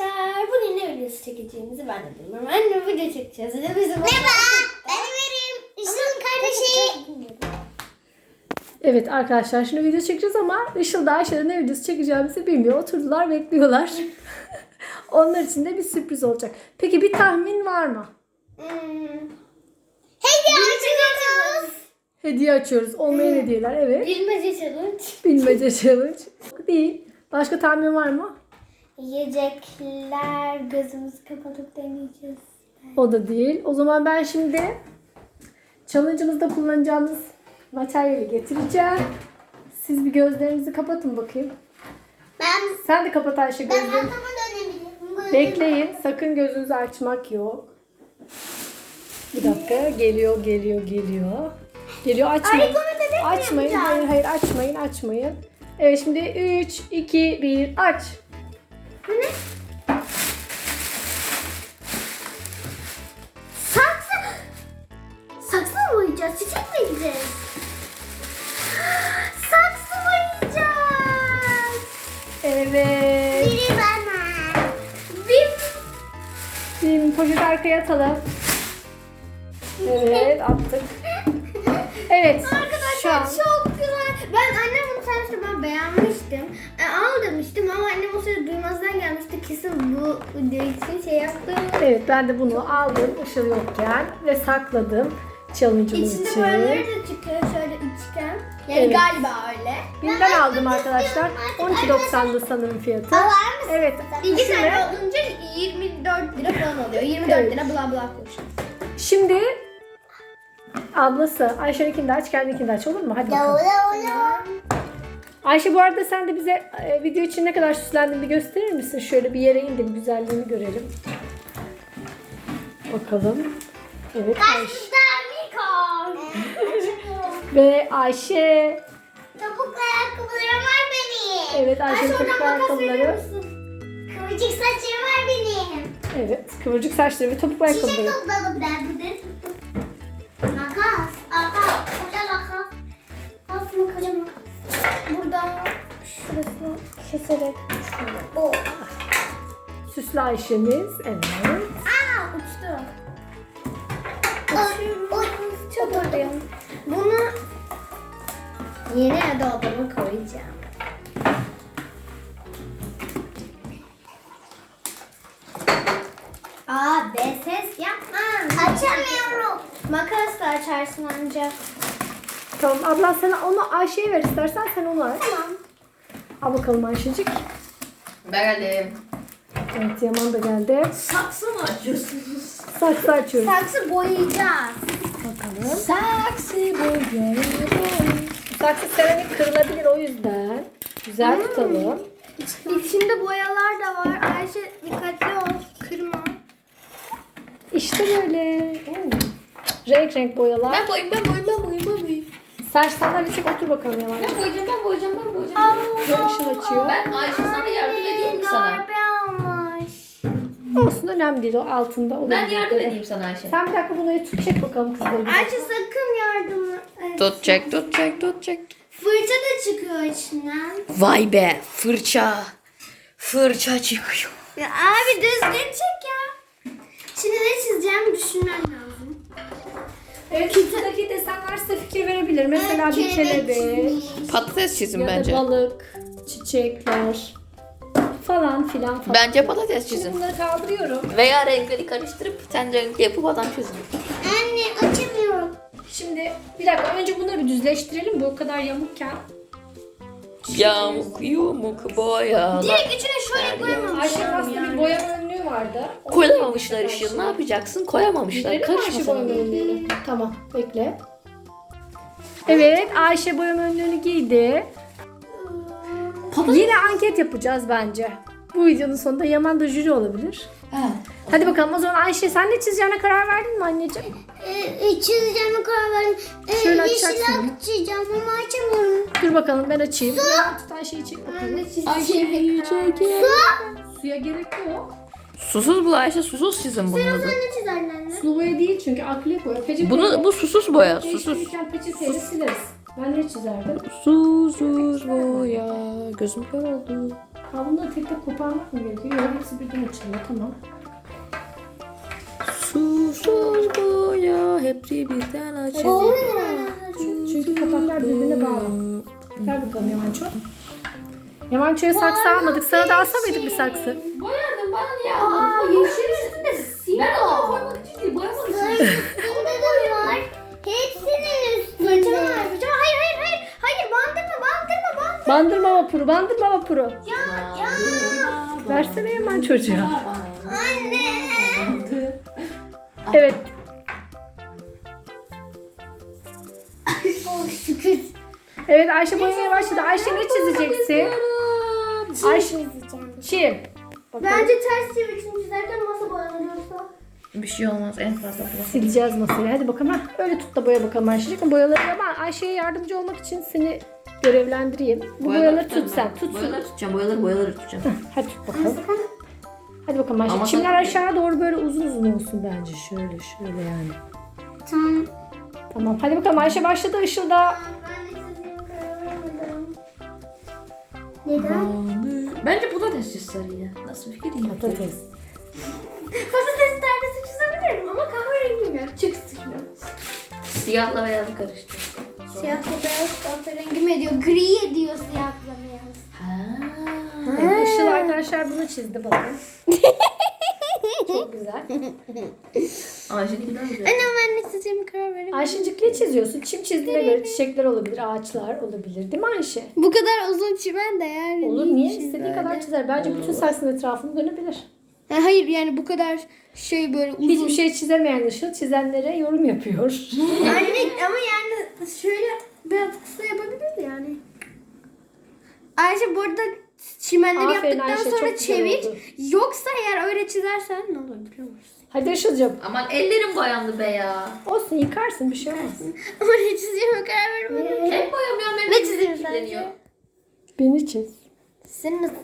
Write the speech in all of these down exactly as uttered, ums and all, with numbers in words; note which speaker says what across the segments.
Speaker 1: arkadaşlar, bugün ne videosu çekeceğimizi ben de bilmiyorum. Anne video çekeceğiz. Bizim
Speaker 2: Merhaba, ben Ömer'im. Işıl'ın kardeşi.
Speaker 3: Evet arkadaşlar, şimdi video çekeceğiz ama Işıl da Ayşe'de ne videosu çekeceğimizi bilmiyor. Oturdular, bekliyorlar. Onlar için de bir sürpriz olacak. Peki bir tahmin var mı?
Speaker 1: Hmm.
Speaker 2: Hediye açıyoruz.
Speaker 3: Hediye açıyoruz. Olmayan hediyeler, evet.
Speaker 1: Bilmece challenge.
Speaker 3: Bilmece challenge. Değil. Başka tahmin var mı?
Speaker 1: Yiyecekler, gözümüzü kapatıp deneyeceğiz.
Speaker 3: O da değil. O zaman ben şimdi challenge'ımızda kullanacağımız materyali getireceğim. Siz bir gözlerinizi kapatın bakayım.
Speaker 2: Ben,
Speaker 3: Sen de kapat Ayşe
Speaker 2: ben
Speaker 3: gözlerini.
Speaker 2: arkama dönebilirim.
Speaker 3: Bekleyin. Sakın gözünüzü açmak yok. Bir dakika. Geliyor, geliyor, geliyor. Geliyor. Açmayın.
Speaker 2: Ay, bunu bebek mi
Speaker 3: Açmayın.
Speaker 2: yapacağız?
Speaker 3: Hayır, hayır. Açmayın, açmayın. Evet, şimdi üç, iki, bir. Aç.
Speaker 2: Bu ne? Saksı. Saksı mı boyayacağız? Çiçek mi gideceğiz? Saksı boyayacağız.
Speaker 3: Evet.
Speaker 2: Biri bana.
Speaker 1: Bir
Speaker 3: Şimdi poşeti arkaya atalım. Evet, attık. Evet. Şu
Speaker 1: Arkadaşlar
Speaker 3: an
Speaker 1: çok güzel. Ben annem bunu saymıştı, ben beğenmiştim. E, al demiştim ama annem o sırada duymazdan gelmişti. Kesin bu video için şey yaptı.
Speaker 3: evet, ben de bunu aldım Işıl yokken ve sakladım challenge'ımız
Speaker 1: İçinde
Speaker 3: için.
Speaker 1: boyaları da çıkıyor şöyle üçgen. Yani
Speaker 3: Evet.
Speaker 1: galiba öyle.
Speaker 3: Bim'den aldım arkadaşlar. on iki doksandı sanırım fiyatı.
Speaker 2: Var mısın?
Speaker 3: Evet.
Speaker 1: İki
Speaker 3: Şimdi,
Speaker 1: tane olunca yirmi dört lira falan oluyor. yirmi dört
Speaker 3: Evet.
Speaker 1: lira bla bla koş.
Speaker 3: şimdi ablası Ayşe'ninkini de aç, kendininkini de aç, olur mu? Hadi bakalım. Ayşe, bu arada sen de bize e, video için ne kadar süslendiğini bir gösterir misin? Şöyle bir yere in de bir güzelliğini görelim. Bakalım. Evet Ayşe. Ve Ayşe.
Speaker 2: Topuklu ayakkabılarım var benim.
Speaker 3: Evet, Ayşe'nin topuklu ayakkabıları.
Speaker 2: Kıvırcık saçlarım var benim.
Speaker 3: Evet, kıvırcık saçları ve topuklu
Speaker 2: Çiçek
Speaker 3: ayakkabıları.
Speaker 2: topladım ben burada. Makas. Makas. Koca makas. Aslında koca makas.
Speaker 1: Burada şurasını keserek şöyle.
Speaker 2: O.
Speaker 3: Süslü Ayşe'miz. Evet.
Speaker 1: Aa uçtu.
Speaker 2: Oy. Oy.
Speaker 1: Çok mutluyum. Bunu yeni dolabıma koyacağım. Aa be ses yapma.
Speaker 2: Açamıyorum.
Speaker 1: Makasla açarsın ancak.
Speaker 3: Tamam, abla sen onu Ayşe'ye ver istersen, sen onu aç.
Speaker 1: Tamam.
Speaker 3: Al bakalım Ayşecik.
Speaker 4: Ben geldim.
Speaker 3: Evet, Yaman da geldi.
Speaker 4: Saksı mı açıyorsunuz?
Speaker 3: Saksı açıyoruz.
Speaker 1: Saksı boyayacağız.
Speaker 3: Bakalım.
Speaker 4: Saksı boyuyorum.
Speaker 3: Saksı seramik kırılabilir, o yüzden. Güzel tutalım.
Speaker 1: İçinde boyalar da var. Ayşe dikkatli ol. Kırma.
Speaker 3: İşte böyle. Renk renk boyalar.
Speaker 4: Ben boyayım, ben boyayım, ben boyayım, ben boyayım.
Speaker 3: Sen sandalye çek, otur bakalım Yaman.
Speaker 4: Ben boyayacağım, ben boyayacağım, ben boyayacağım.
Speaker 3: Ve ışıl açıyor.
Speaker 4: Ben Ayşe sana yardım edeyim mi sana?
Speaker 1: Darbe almış.
Speaker 3: Olsun, önemli değil, o altında olur.
Speaker 4: Ben yardım edeyim sana Ayşe.
Speaker 3: Sen bir dakika bunu tut, çek bakalım kızları.
Speaker 1: Ayşe sakın yardım et.
Speaker 4: Tut çek, tut çek, tut çek.
Speaker 1: Fırça da çıkıyor içinden.
Speaker 4: Vay be, fırça. Fırça çıkıyor.
Speaker 1: Ya abi düzgün çek ya. Şimdi ne çizeceğim düşünmem lazım.
Speaker 3: Evet, kitaptaki desenler size fikir verebilir. Mesela bir kelebek
Speaker 4: Patates çizin
Speaker 3: ya
Speaker 4: bence.
Speaker 3: da balık, çiçekler falan filan falan.
Speaker 4: Bence patates
Speaker 3: Şimdi
Speaker 4: çizin.
Speaker 3: bunları kaldırıyorum.
Speaker 4: Veya renkleri karıştırıp sen renkli yapıp adam çizin.
Speaker 2: Anne açamıyorum.
Speaker 3: Şimdi bir dakika, önce bunları bir düzleştirelim. Bu o kadar yamukken.
Speaker 4: Yamuk yumuk boyalar.
Speaker 1: Direkt içine şöyle koyamamışlar.
Speaker 3: Ayşe aslında bir boyama önlüğü vardı. Onu
Speaker 4: Koyamamışlar ışığı. Ne yapacaksın? Koyamamışlar.
Speaker 3: Gidelim mi Ayşe
Speaker 4: Karışma
Speaker 3: boyama
Speaker 4: sen.
Speaker 3: önlüğünü? Tamam, bekle. Evet, Ayşe boyama önlüğünü giydi. Yine anket yapacağız bence. Bu videonun sonunda Yaman da jüri olabilir.
Speaker 4: Ha.
Speaker 3: Hadi bakalım, o zaman Ayşe, sen ne çizeceğine karar verdin mi anneciğim?
Speaker 2: Ee, çizeceğime karar verdim. Ee,
Speaker 3: Şöyle
Speaker 2: yeşil
Speaker 3: açacaksın.
Speaker 2: açacağım ama açamıyorum.
Speaker 3: Dur bakalım, ben açayım. Yaman tut Ayşe'yi, çek bakalım.
Speaker 4: Ayşe'yi çekin.
Speaker 3: Suya gerek yok.
Speaker 4: Susuz bu Ayşe, susuz çizin bunun adı.
Speaker 1: Ne çizerdin anne?
Speaker 3: Sulu boya değil çünkü akrilik boya. Peçete
Speaker 4: Bunu, bu susuz boya, susuz.
Speaker 3: değiştirirken peçeteyle sileriz. Ben ne çizerdim?
Speaker 4: Susuz boya. Gözüm kör oldu.
Speaker 3: Ha, bunları tek tek koparmak mı gerekiyor? Yok, hepsi birden açılıyor. Tamam.
Speaker 4: Susuz boya hepsi birden açılıyor.
Speaker 3: Çünkü kapaklar birbirine bağlı. Ver bakalım Yamanço. Yamanço'ya saksı almadık. Sana da alsa mıydık bir saksı?
Speaker 4: Boyadım bana niye
Speaker 1: Aa, yeşil üstünde
Speaker 4: Ben
Speaker 1: siyah.
Speaker 4: onu koymak için değil, boyamak için.
Speaker 2: Üstünde de var. Hepsinin
Speaker 1: Fırçama
Speaker 2: üstünde.
Speaker 1: var, fırçama. Hayır, hayır, hayır. Hayır, bandırma, bandırma, bandırma.
Speaker 3: Bandırma vapuru, bandırma vapuru.
Speaker 1: Ya, ya.
Speaker 3: Versene Yaman çocuğa.
Speaker 1: Anne.
Speaker 3: Evet.
Speaker 1: Oh, şükür.
Speaker 3: Evet, Ayşe boyamaya başladı. Ayşe ne çizeceksin? Ayşe
Speaker 1: çizeceğim.
Speaker 3: çim. Bakalım.
Speaker 1: Bence ters çevirsin çizerken masa boyanıyorsa.
Speaker 4: Bir şey olmaz, en fazla.
Speaker 3: Sileceğiz masayı. Hadi bakalım. Hah, öyle tut da boya bakalım Ayşe'cik. Boyaları ama Ayşe'ye yardımcı olmak için seni görevlendireyim. Bu boyaları tut sen. Tut.
Speaker 4: Boyaları tutacağım, boyaları boyaları tutacağım.
Speaker 3: Hadi tut bakalım. Hadi bakalım Ayşe.
Speaker 4: Ama
Speaker 3: Çimler
Speaker 4: sen-
Speaker 3: aşağı doğru böyle uzun uzun olsun bence. Şöyle şöyle yani.
Speaker 2: Tamam.
Speaker 3: Tamam. Hadi bakalım Ayşe başladı ışılda.
Speaker 1: Ben de çizeyim, karar veremedim. Neden?
Speaker 4: Bence bu da desiz sarıydı. Nasıl fikir değil.
Speaker 3: Patates.
Speaker 1: Patates neredeyse çizebilirim ama kahverengim yok. Çık sıkıyorum.
Speaker 4: Siyahla beyazı karıştı.
Speaker 1: Siyahla beyaz kahverengi mi ediyor? Gri ediyor siyahla beyaz.
Speaker 4: Ha.
Speaker 3: Evet, Işıl arkadaşlar bunu çizdi bakın. Çok güzel.
Speaker 4: Ayşe'ninki daha güzel.
Speaker 1: Anne ben ne çizeceğimi karar veremedim.
Speaker 3: Ayşe'cik ne çiziyorsun? Çim çizdiğine göre çiçekler olabilir, ağaçlar olabilir. Değil mi Ayşe?
Speaker 1: Bu kadar uzun çimen de yani.
Speaker 3: Olur, niye? İstediği kadar çizer. Bence bütün saksının etrafını dönebilir.
Speaker 1: Ha, hayır yani bu kadar şey böyle uzun.
Speaker 3: Hiçbir şey çizemeyen Işıl çizenlere yorum yapıyor.
Speaker 1: Anne ama yani şöyle biraz kısa yapabiliriz yani. Ayşe burada çimenleri
Speaker 3: Aferin
Speaker 1: yaptıktan
Speaker 3: Ayşe,
Speaker 1: sonra
Speaker 3: çok güzel
Speaker 1: çevir.
Speaker 3: oldu.
Speaker 1: Yoksa eğer öyle çizersen ne olur biliyor musun?
Speaker 3: Hadi Işıl'cığım.
Speaker 4: Aman ellerim boyandı be ya.
Speaker 3: Olsun, yıkarsın, bir şey olmaz.
Speaker 1: Ama ne çizeceğime karar veremedim.
Speaker 4: Hep boyamıyorum, hep
Speaker 1: Ne
Speaker 4: elim
Speaker 1: çiziyorsun
Speaker 4: kirleniyor.
Speaker 1: sence?
Speaker 3: Beni çiz.
Speaker 1: Sen nasıl?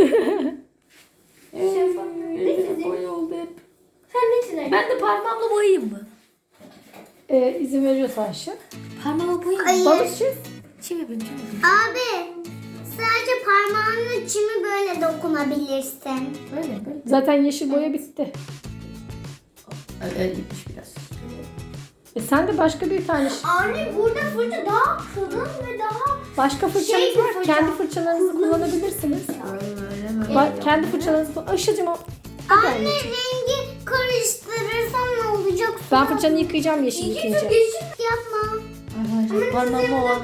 Speaker 4: Ellerim boya oldu hep.
Speaker 1: Sen ne çizersin?
Speaker 4: Ben de parmağımla boyayayım mı?
Speaker 3: Ee, izin veriyorsa Ayşe.
Speaker 4: Parmağımla boyayayım.
Speaker 2: Hayır.
Speaker 3: Balık çiz.
Speaker 4: Çim yapayım, çim yapayım.
Speaker 2: Abi sadece parmağınla çimi böyle dokunabilirsin.
Speaker 4: Böyle böyle.
Speaker 3: Zaten yeşil boya bitti.
Speaker 4: Öyle gitmiş biraz.
Speaker 3: E sen de başka bir tane
Speaker 1: Anne burada fırça daha kalın ve daha
Speaker 3: başka fırçanız
Speaker 1: Şey bir
Speaker 3: var.
Speaker 1: fırça.
Speaker 3: Kendi fırçalarınızı kullanabilirsiniz.
Speaker 4: Öyle mi?
Speaker 3: Ba- kendi fırçalarınızı kullan. Işıl'cığım o.
Speaker 2: Anne rengi karıştırırsan ne olacak?
Speaker 3: Ben fırçanı yıkayacağım yeşil yıkayınca.
Speaker 2: Yapma.
Speaker 4: Arkadaşlar parmağımla olan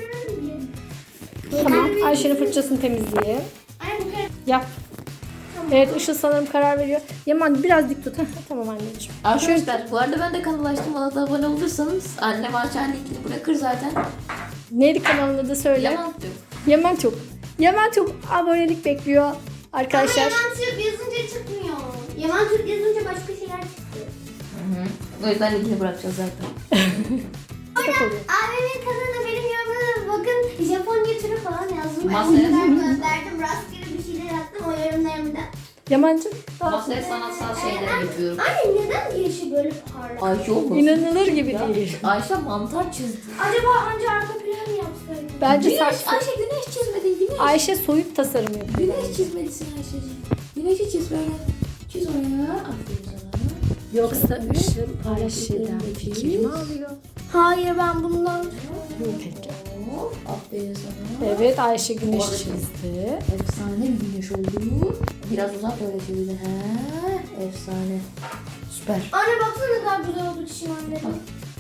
Speaker 3: Tamam. Ayşe'nin fırçasını temizleyeyim.
Speaker 1: Anne bu kadar.
Speaker 3: Yap. Evet, Işıl sanırım karar veriyor. Yaman biraz dik tut. Heh, tamam anneciğim.
Speaker 4: Arkadaşlar bu arada ben de kanal açtım. Bana da abone olursanız annem aşağı linkini bırakır zaten.
Speaker 3: Neydi kanalın adı söyle.
Speaker 4: Yaman diyor.
Speaker 3: Yaman çok. Yaman çok abonelik bekliyor arkadaşlar.
Speaker 1: Yaman Türk yazınca çıkmıyor. Yaman Türk yazınca başka şeyler çıkıyor.
Speaker 4: Hı hı. O yüzden linkini bırakacağız zaten.
Speaker 3: Destek oluyor.
Speaker 1: Abimin kanalına benim yorumlarıma bakın. Japonya turu falan yazdım. Ben
Speaker 4: Masaya-
Speaker 1: onları gönderdim. Rastgele bir şeyler attım o yorumlarımda.
Speaker 3: Yamancığım.
Speaker 4: Masaya sanatsal şeyler yapıyorum.
Speaker 1: Anne neden yeşil böyle parlak?
Speaker 4: Ayşe olmasın.
Speaker 3: İnanılır gibi değil.
Speaker 4: Ayşe mantar çizdi.
Speaker 1: Acaba anca arka plan mı yapsaydım?
Speaker 3: Bence
Speaker 4: Güneş,
Speaker 3: saksı.
Speaker 4: Ayşe güneş çizmedin. Güneş.
Speaker 3: Ayşe soyut tasarım yapıyor.
Speaker 4: Güneş çizmelisin Ayşe'ciğim. Güneşi çiz böyle. Çiz oraya. Aferin sana.
Speaker 3: Yoksa Işıl Ayşe'den fikrimi alıyor.
Speaker 1: Hayır ben bundan.
Speaker 3: Peki.
Speaker 4: Hop, aferin sana.
Speaker 3: Evet, Ayşe güneş
Speaker 4: Orada
Speaker 3: çizdi.
Speaker 4: Efsane bir güneş oldu. Biraz uzak böyle çizdi. He, efsane. Süper.
Speaker 1: Anne baksana ne kadar güzel oldu çimenlerim.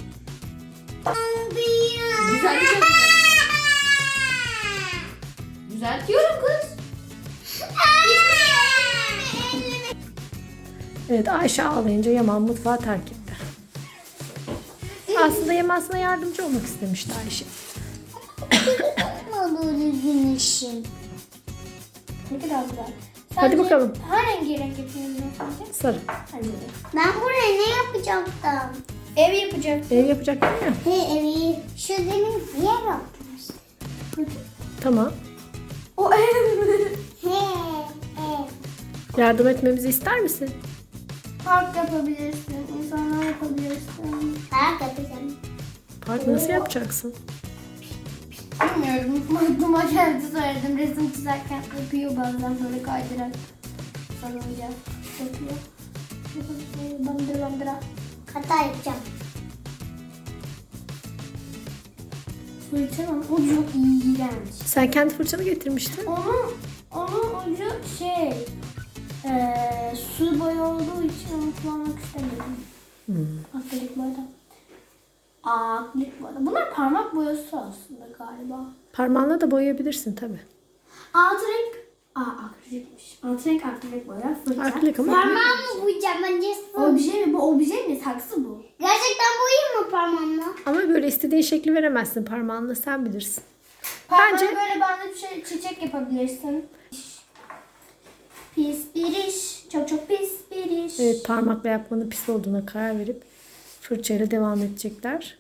Speaker 4: Güzel bir şey. Düzeltiyorum kız.
Speaker 3: Evet, Ayşe ağlayınca Yaman mutfağı terk etti. Aslında Yaman sana yardımcı olmak istemişti Ayşe.
Speaker 2: Yapma böyle güneşin.
Speaker 1: Ne kadar güzel.
Speaker 3: Hadi bakalım.
Speaker 1: Hangi renk yapıyorsun sence?
Speaker 3: Sarı.
Speaker 1: Hadi.
Speaker 2: Ben buraya ne yapacaktım?
Speaker 1: Ev yapacak.
Speaker 3: Ev yapacak değil mi?
Speaker 2: He evi. Şu demin yer yapmış.
Speaker 3: Tamam.
Speaker 1: O ev.
Speaker 2: He ev.
Speaker 3: Yardım etmemizi ister misin?
Speaker 1: Park yapabilirsin. İnsanlar yapabilirsin.
Speaker 2: Park yapacağım.
Speaker 3: Park nasıl yapacaksın?
Speaker 1: bilmiyorum. Aklıma geldi söyledim. Resim çizerken yapıyor bazen böyle kaydırarak. Salınca yapıyor. Bandıra bandıra.
Speaker 2: Hata yapacağım.
Speaker 1: Fırçanın ucu iğrenç.
Speaker 3: Sen kendi fırçanı getirmiştin.
Speaker 1: Onun, onun ucu şey, eee su boyu olduğu için onu kullanmak istemedim.
Speaker 3: Hmm.
Speaker 1: Akrilik boyada. Aa, akrilik boyada. Bunlar parmak boyası aslında galiba.
Speaker 3: Parmağınla da boyayabilirsin tabii.
Speaker 1: Alt renk, aa akrilikmiş. Alt renk akrilik boya, fırça.
Speaker 3: Akrilik ama-
Speaker 2: Parmağımı boyayacağım bence.
Speaker 1: Obje mi? Bu obje mi? Saksı bu.
Speaker 2: Gerçekten boyayayım mı parmağımla?
Speaker 3: Ama böyle istediğin şekli veremezsin parmağınla, sen bilirsin.
Speaker 1: Bence
Speaker 3: Bence-
Speaker 1: böyle bende bir şey çiçek yapabilirsin. Pis bir iş. Çok çok pis bir iş.
Speaker 3: Evet, parmakla yapmanın pis olduğuna karar verip fırçayla devam edecekler.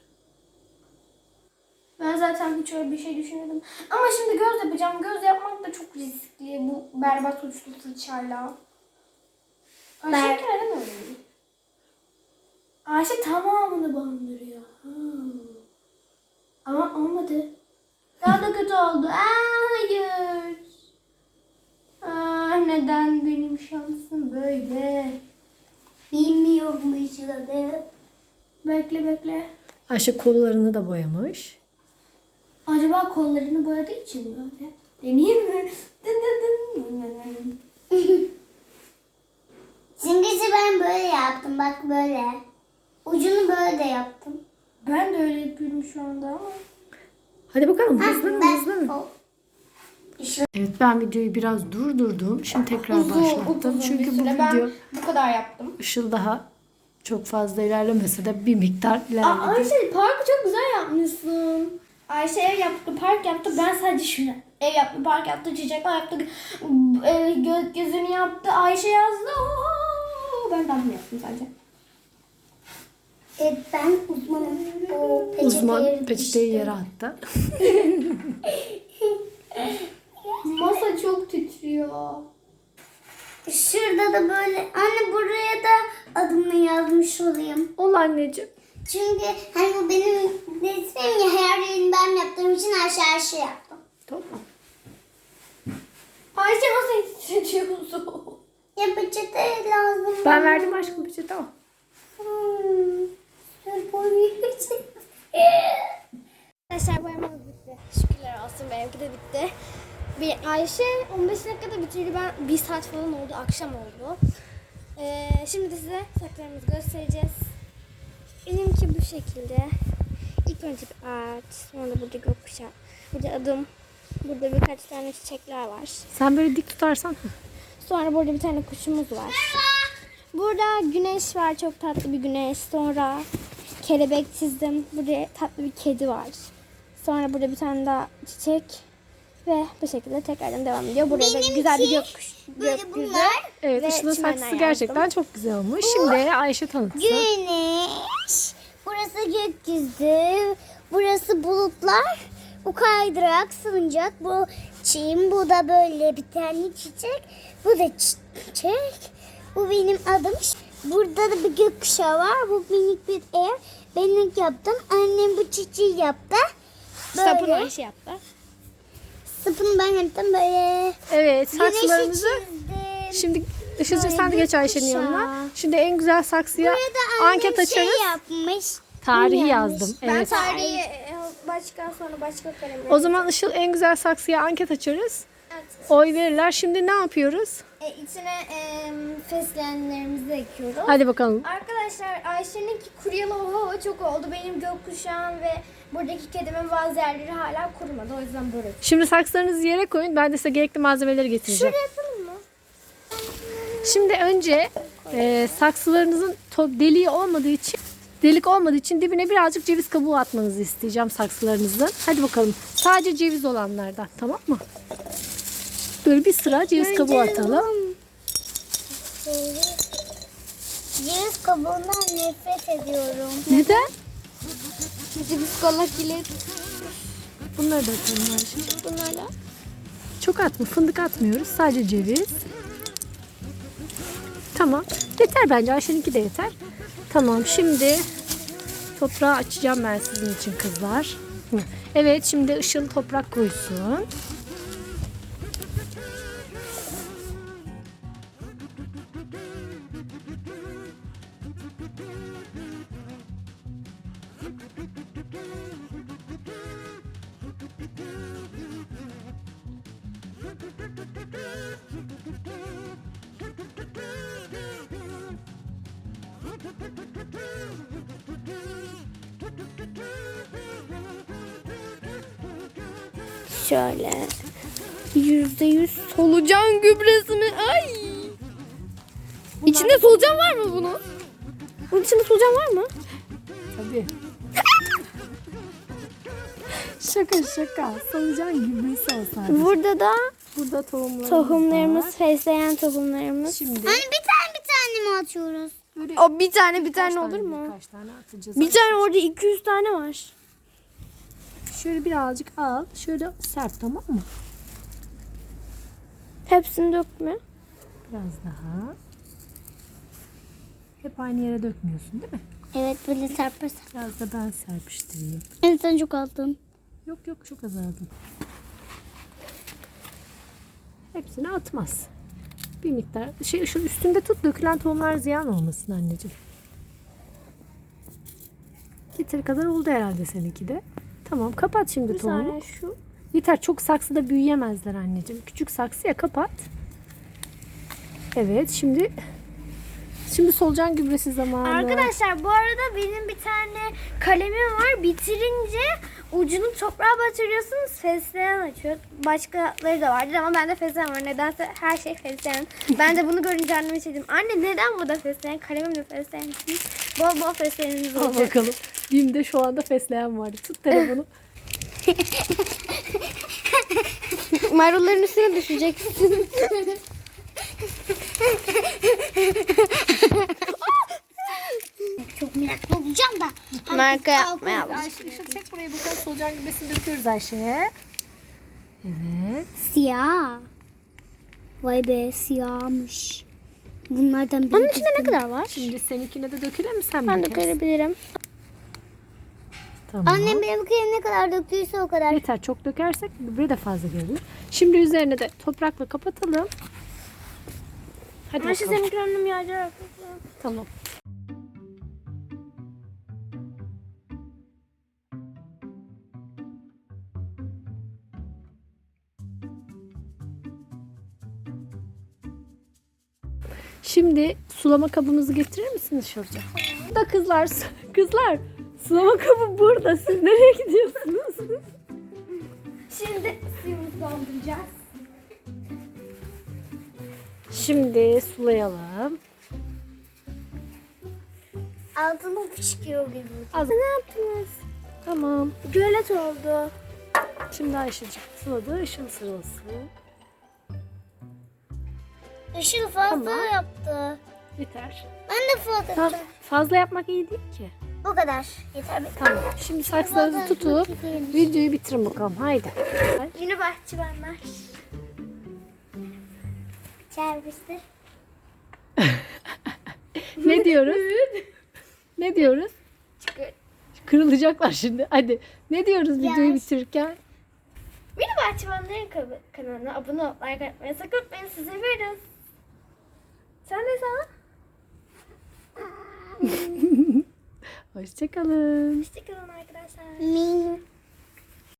Speaker 1: Ben zaten hiç öyle bir şey düşünmedim. Ama şimdi göz yapacağım. Göz yapmak da çok riskli bu berbat uçlu fırçayla. Ayşe
Speaker 2: Ber-
Speaker 1: neden öyle değil? Ayşe tamamını bandırıyor. Hmm. Ama olmadı. Daha da kötü oldu. Aa, hayır. Aa, neden benim şansım böyle?
Speaker 2: Bilmiyormuş adı.
Speaker 1: Bekle bekle.
Speaker 3: Ayşe kollarını da boyamış.
Speaker 1: Acaba kollarını boyadığı için mi öyle? Deneyeyim mi? Dın dın dın dın dın.
Speaker 2: Simgesi ben böyle yaptım. Bak böyle. Ucunu böyle de yaptım.
Speaker 1: Ben de öyle yapıyorum şu anda ama.
Speaker 3: Hadi bakalım,
Speaker 2: Ha,
Speaker 3: hızlanın
Speaker 2: ben-
Speaker 3: hızlanın.
Speaker 2: o-
Speaker 3: Evet, ben videoyu biraz durdurdum. Şimdi tekrar başlattım. Çünkü bu
Speaker 1: süre ben
Speaker 3: video
Speaker 1: bu kadar yaptım.
Speaker 3: Işıl daha çok fazla ilerlemese de bir miktar
Speaker 1: Aa,
Speaker 3: ilerledi.
Speaker 1: Ayşe parkı çok güzel yapmışsın. Ayşe ev yaptı, park yaptı. Ben sadece şunu. Ev yaptı, park yaptı, çiçekler yaptı. E, gökyüzünü yaptı. Ayşe yazdı. Oo, ben de bunu yaptım sadece.
Speaker 2: Evet, ben uzmanım. O peçeteyi
Speaker 3: Uzman peçeteyi yere attı.
Speaker 1: Masa çok titriyor.
Speaker 2: Şurada da böyle. Anne buraya da adımı yazmış olayım.
Speaker 3: Ol anneciğim.
Speaker 2: Çünkü hani bu benim resmim ya, her yerini ben yaptığım için her şey her şey yaptım.
Speaker 3: Tamam.
Speaker 1: Ayşe masayı titretiyorsun.
Speaker 2: Ya peçete lazım.
Speaker 3: Ben verdim aşkım peçete, al.
Speaker 2: Hmm. Şöyle boyayayım peçete.
Speaker 1: Arkadaşlar boyamamız bitti. Şükürler olsun, benimki de bitti. Bir Ayşe on beş dakikada bitirdi. Ben bir saat falan oldu. Akşam oldu. Ee, şimdi de size saçlarımızı göstereceğiz. Benimki bu şekilde. İlk önce bir ağaç. Sonra burada gökkuşağı. Burada adım. Burada birkaç tane çiçekler var.
Speaker 3: Sen böyle dik tutarsan.
Speaker 1: Sonra burada bir tane kuşumuz var. Burada güneş var. Çok tatlı bir güneş. Sonra kelebek çizdim. Burada tatlı bir kedi var. Sonra burada bir tane daha çiçek. Ve bu şekilde tekrardan devam ediyor. Buraya da
Speaker 2: Benimki
Speaker 1: güzel bir gökkuş,
Speaker 2: böyle
Speaker 1: gökyüzü.
Speaker 2: bunlar.
Speaker 3: Evet,
Speaker 1: Ve
Speaker 3: Işıl'ın
Speaker 1: çimenler
Speaker 3: saksısı
Speaker 1: yazdım.
Speaker 3: gerçekten çok güzel olmuş. Şimdi Ayşe tanıtsın.
Speaker 2: Güneş. Burası gökyüzü. Burası bulutlar. Bu kaydırak, salıncak. Bu çim. Bu da böyle bir tane çiçek. Bu da çiçek. Bu benim adım. Burada da bir gökkuşağı var. Bu minik bir ev. Ben yaptım. Annem bu çiçeği yaptı.
Speaker 1: Sapını
Speaker 2: Böyle.
Speaker 1: Ayşe yaptı.
Speaker 2: Sapını ben yaptım böyle.
Speaker 3: Evet,
Speaker 2: Güneşi
Speaker 3: saksılarımızı
Speaker 2: çizdim.
Speaker 3: şimdi Işıl'cığım
Speaker 2: Böyle
Speaker 3: sen de geç Ayşe'nin
Speaker 2: gökkuşağı.
Speaker 3: yanına. Şimdi en güzel saksıya
Speaker 2: Burada annem
Speaker 3: anket açarız.
Speaker 2: şey yapmış.
Speaker 3: Tarihi
Speaker 2: Yanlış.
Speaker 3: yazdım.
Speaker 1: Ben
Speaker 3: Evet.
Speaker 1: tarihi e, başka sonra başka kalemle.
Speaker 3: O zaman Işıl en güzel saksıya anket açarız.
Speaker 1: Evet.
Speaker 3: Oy verirler. Şimdi ne yapıyoruz?
Speaker 1: E, içine e, fesleğenlerimizi ekiyoruz.
Speaker 3: Hadi bakalım.
Speaker 1: Arkadaşlar Ayşe'ninki kuruyalı oha çok oldu. Benim gökkuşağım ve buradaki kedimin bazı yerleri hala kurumadı. O yüzden böyle.
Speaker 3: Şimdi saksılarınızı yere koyun. Ben de size gerekli malzemeleri getireceğim.
Speaker 1: Şuraya yapalım mı?
Speaker 3: Şimdi önce e, saksılarınızın to- deliği olmadığı için delik olmadığı için dibine birazcık ceviz kabuğu atmanızı isteyeceğim saksılarınızın. Hadi bakalım. Sadece ceviz olanlardan, tamam mı? Böyle bir sıra ceviz kabuğu atalım.
Speaker 2: Ceviz kabuğundan nefret ediyorum.
Speaker 3: Neden?
Speaker 1: Ceviz kola kilit.
Speaker 3: Bunları da atalım Ayşe.
Speaker 1: Bunlarla.
Speaker 3: Çok atma. Fındık atmıyoruz. Sadece ceviz. Tamam. Yeter bence. Ayşe'ninki de yeter. Tamam. Şimdi toprağı açacağım ben sizin için kızlar. Hı. Evet, şimdi Işıl toprak koysun.
Speaker 1: Şöyle. Yüzde yüz solucan gübresi mi? Ay. İçinde solucan var mı bunun? Bunun içinde solucan var mı?
Speaker 3: Tabii. Şaka şaka. Solucan gübresi o sadece.
Speaker 1: Burada da
Speaker 3: Burada tohumlarımız,
Speaker 1: tohumlarımız,
Speaker 3: var.
Speaker 1: fesleğen tohumlarımız.
Speaker 3: Şimdi
Speaker 2: Hani bir tane bir tane mi atıyoruz?
Speaker 3: böyle
Speaker 1: O bir tane bir
Speaker 3: kaç
Speaker 1: tane olur mu?
Speaker 3: Kaç tane atacağız?
Speaker 1: Bir tane orada iki yüz tane var.
Speaker 3: Şöyle birazcık al. Şöyle serp, tamam mı?
Speaker 1: Hepsini dökme.
Speaker 3: Biraz daha. Hep aynı yere dökmüyorsun değil mi?
Speaker 2: Evet böyle serpersen.
Speaker 3: Biraz da ben serpiştireyim.
Speaker 2: En son çok aldım.
Speaker 3: Yok yok, çok azaldım. Hepsini atmaz. Bir miktar. Şey, şu üstünde tut, dökülen tohumlar ziyan olmasın anneciğim. Yeteri kadar oldu herhalde seninki de. Tamam, kapat şimdi
Speaker 1: Bir
Speaker 3: tohumu.
Speaker 1: tane şu.
Speaker 3: Yeter, çok saksıda büyüyemezler anneciğim. Küçük saksıya kapat. Evet, şimdi şimdi solucan gübresi zamanı.
Speaker 1: Arkadaşlar bu arada benim bir tane kalemim var. Bitirince ucunu toprağa batırıyorsunuz. Fesleğen açıyor. Başkaları da vardır ama bende fesleğen var. Nedense her şey fesleğen. Ben de bunu görünce anneme şey dedim. Anne neden burada fesleğen? Kalemimle fesleğen için. Bol bol fesleğeniniz
Speaker 3: Al
Speaker 1: olacak.
Speaker 3: bakalım. Bim'de şu anda fesleğen vardı. Tut telefonu.
Speaker 1: Marulların üstüne düşeceksin.
Speaker 2: Çok meraklı olacağım da.
Speaker 1: Marka yapmaya bak.
Speaker 3: Ayşe, Işıl çek burayı bakalım. Solucan gübresini döküyoruz Ayşe'ye. Evet.
Speaker 2: Siyah. Vay be siyahmış. Bunlardan biri.
Speaker 1: Onun içinde ne kadar var?
Speaker 3: Şimdi seninkine de dökelim mi sen?
Speaker 1: Ben
Speaker 3: bir
Speaker 1: de
Speaker 3: kez?
Speaker 1: görebilirim.
Speaker 3: Tamam.
Speaker 2: Annem benimkine ne kadar döktüyse o kadar.
Speaker 3: Yeter, çok dökersek gübre de fazla görünür. Şimdi üzerine de toprakla kapatalım. Hadi
Speaker 1: Ayşe
Speaker 3: bakalım.
Speaker 1: senin önüm yağacak.
Speaker 3: Tamam. Şimdi sulama kabımızı getirir misiniz Şurca? Da kızlar, kızlar sulama kabı burada. Siz nereye gidiyorsunuz?
Speaker 1: Şimdi suyumuzu dolduracağız.
Speaker 3: Şimdi sulayalım.
Speaker 2: Altını fışkıyor gibi.
Speaker 3: Az.
Speaker 1: Ne yaptınız?
Speaker 3: Tamam.
Speaker 1: Gölet oldu.
Speaker 3: Şimdi Ayşe'cik suladı. Işıl sırası.
Speaker 2: Işıl fazla
Speaker 3: Tamam.
Speaker 2: yaptı.
Speaker 3: Yeter.
Speaker 2: Ben de fazla
Speaker 3: Tam
Speaker 2: yapacağım.
Speaker 3: fazla yapmak iyi değil ki.
Speaker 2: Bu kadar. Yeter be.
Speaker 3: Tamam. Şimdi saksılarınızı tutup videoyu bitirin bakalım. Haydi.
Speaker 1: Yine bahçıvanlar.
Speaker 2: Servistir.
Speaker 3: Ne diyoruz? Ne diyoruz?
Speaker 1: Çıkıyor.
Speaker 3: Kırılacaklar şimdi. Hadi. Ne diyoruz videoyu
Speaker 2: Yes.
Speaker 3: bitirirken?
Speaker 1: Yine bahçıvanların kanalı- kanalına abone olup like atmayı sakın unutmayın. Sizi seviyoruz. Sen de sana.
Speaker 3: Hoşçakalın.
Speaker 1: Hoşçakalın arkadaşlar.
Speaker 2: Min.